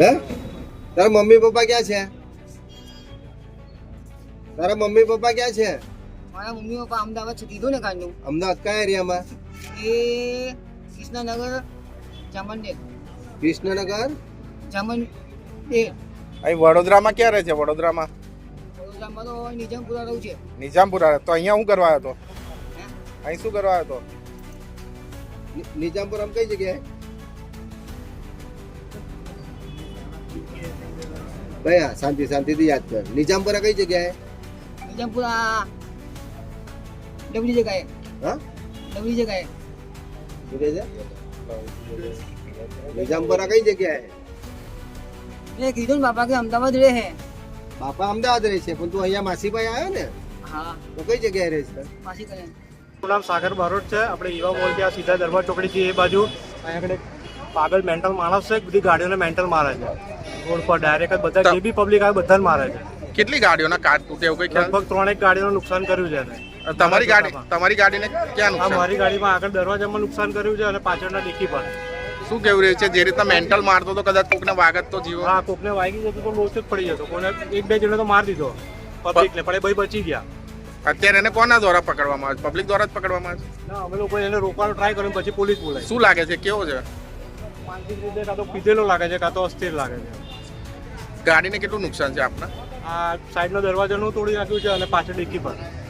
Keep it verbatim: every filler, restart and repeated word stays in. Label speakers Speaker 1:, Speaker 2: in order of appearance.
Speaker 1: હે તારા mummy papa ક્યાં છે? તારા મમ્મી પપ્પા ક્યાં છે?
Speaker 2: મારા મમ્મી પપ્પા અમદાવાદ છે કીધું ને કાલનું.
Speaker 1: અમદાવાદ કયા એરિયામાં?
Speaker 2: એ કૃષ્ણનગર જામનડેર.
Speaker 1: કૃષ્ણનગર
Speaker 2: જામનડેર.
Speaker 3: અહીં વડોદરામાં ક્યાં રહે છે? વડોદરામાં
Speaker 2: વડોદરામાં તો નિજામપુરા રહું છે.
Speaker 3: નિજામપુરા. તો અહીંયા શું કરવા આવ્યો હતો?
Speaker 2: હે?
Speaker 3: અહીં શું કરવા આવ્યો હતો?
Speaker 1: નિ- નિજામપુરમ કઈ જગ્યાએ? ભાઈ હા શાંતિ શાંતિથી યાદ કર. નિજામપુરા કઈ જગ્યાએ?
Speaker 2: નિજામપુરા ડબલી જગ્યાએ.
Speaker 1: હા
Speaker 2: ડબલી જગ્યાએ.
Speaker 1: શું કહે છે? નિજામપુરા કઈ જગ્યાએ?
Speaker 2: એ કીધું ને બાપા કે અમદાવાદ રહે હે.
Speaker 1: બાપા અમદાવાદ રહે છે પણ તું અહીંયા માસીભાઈ આવ્યો ને
Speaker 2: હા
Speaker 1: તો કઈ જગ્યાએ રહે છે?
Speaker 2: પાછી કરે.
Speaker 4: મારું નામ સાગર બારોટ છે. આપણે ઈવા મોલ ત્યાં સીધા દરબાર ચોકડીથી એ બાજુ અહીંયા આગળ એક પાગલ મેન્ટલ માણસ છે. બધી ગાડીઓને મેન્ટલ મારે છે રોડ પર ડાયરેક્ટ જ. બધા જે બી પબ્લિક આવે બધાને મારે છે.
Speaker 3: કેટલી ગાડીઓના કાચ તૂટે એવું કઈ ખ્યાલ?
Speaker 4: લગભગ ત્રણેક ગાડીઓનું નુકસાન કર્યું છે એને.
Speaker 3: તમારી ગાડી તમારી ગાડીને ક્યાં
Speaker 4: આ
Speaker 3: નુકસાન?
Speaker 4: મારી ગાડીમાં આગળ દરવાજામાં નુકસાન કર્યું છે અને પાછળના ડીકી પર.
Speaker 3: શું કેવું રહ્યું છે? જે રીતના મેન્ટલ મારતો તો કદાચ કોકને વાગત તો જીવો.
Speaker 4: હા, કોકને વાગી જતો તો લોચો જ પડી જતો. કોને એક બે જણે તો મારી દીધો પબ્લિકને, પણ એ ભાઈ બચી ગયા.
Speaker 3: અત્યારે એને કોના દ્વારા પકડવામાં આવે છે? પબ્લિક દ્વારા જ પકડવામાં આવે છે.
Speaker 4: ના, અમે લોકો એને રોકવાનો ટ્રાય કર્યો પછી પોલીસ બોલાય.
Speaker 3: શું લાગે છે? કેવો છે?
Speaker 4: માનસિક રીતે કાં તો પીધેલો લાગે છે કાં તો અસ્થિર લાગે છે.
Speaker 3: ગાડીને કેટલું નુકસાન છે આપના?
Speaker 4: આ સાઈડનો દરવાજાનું તોડી નાખ્યું છે અને પાછળ ડીકી પર.